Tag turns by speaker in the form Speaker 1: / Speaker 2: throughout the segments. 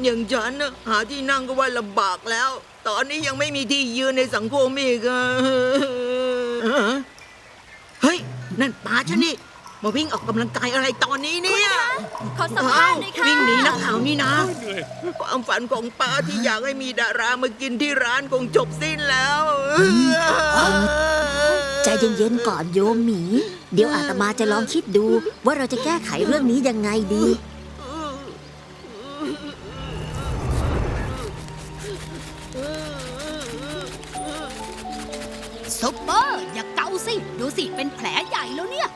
Speaker 1: อย่างฉันนะหาที่นั่งก็ว่าลำบากแล้ว ตอนนี้ยังไม่มีที่ยืนในสังคมอีกอะเฮ้ย นั่นป้าฉันนี่ มาวิ่งออกกำลังกายอะไรตอนนี้เนี่ย
Speaker 2: ขอสัมภาษณ์หน่อยค่ะ
Speaker 1: วิ่งหนีนักข่าวนี่นะ
Speaker 3: เหนื่อย
Speaker 1: ความฝันของป้าที่อยากให้มีดารามากินที่ร้านคงจบสิ้นแล้ว
Speaker 4: ใจเย็นๆก่อนโยมหมี เดี๋ยวอาตมาจะลองคิดดูว่าเราจะแก้ไขเรื่องนี้ยังไงดี
Speaker 2: ซุปเปอร์อย่าเกาสิ ดูสิ เป็นแผลใหญ่แล้วเนี่ย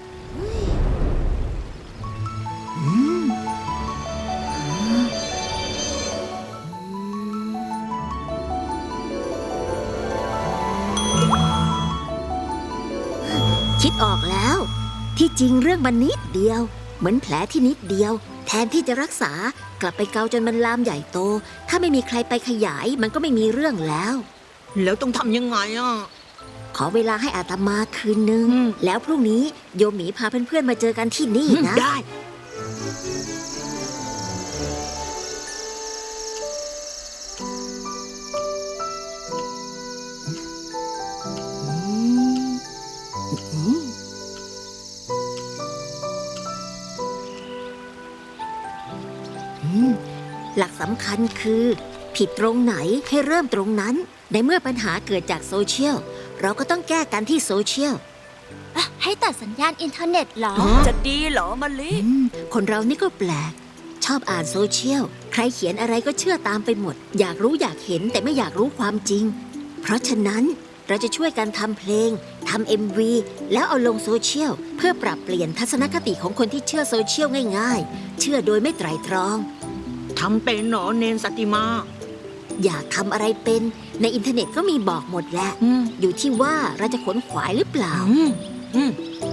Speaker 4: คิดออกแล้ว ที่จริงเรื่องมันนิดเดียว เหมือนแผลที่นิดเดียว แทนที่จะรักษากลับไปเกาจนมันลามใหญ่โต ถ้าไม่มีใครไปขยายมันก็ไม่มีเรื่องแล้ว
Speaker 1: แล้วต้องทำยังไงอ่ะ
Speaker 4: ขอเวลาให้อาตมาคืนนึง แล้วพรุ่งนี้โยมหมีพาเพื่อนๆมาเจอกันที่นี่นะ
Speaker 1: ได้
Speaker 4: หลักสำคัญคือ ผิดตรงไหนให้เริ่มตรงนั้น ในเมื่อปัญหาเกิดจากโซเชียล เราก็ต้องแก้กันที่โซเชียล
Speaker 2: ให้ตัดสัญญาณอินเทอร์เน็ตเหรอ
Speaker 5: จะดีเหรอมะลิ
Speaker 4: คนเรานี่ก็แปลก ชอบอ่านโซเชียล ใครเขียนอะไรก็เชื่อตามไปหมด อยากรู้อยากเห็นแต่ไม่อยากรู้ความจริง เพราะฉะนั้นเราจะช่วยกันทำเพลงทำ MV แล้วเอาลงโซเชียลเพื่อปรับเปลี่ยนทัศนคติของคนที่เชื่อโซเชียลง่ายๆ เชื่อโดยไม่ไตร่ตรอง
Speaker 1: ทำเป็นหนอเนนสติมา
Speaker 4: อยากทำอะไรเป็นในอินเทอร์เน็ตก็มีบอกหมดแหละ อยู่ที่ว่าเราจะขวนขวายหรือเปล่า
Speaker 1: อืม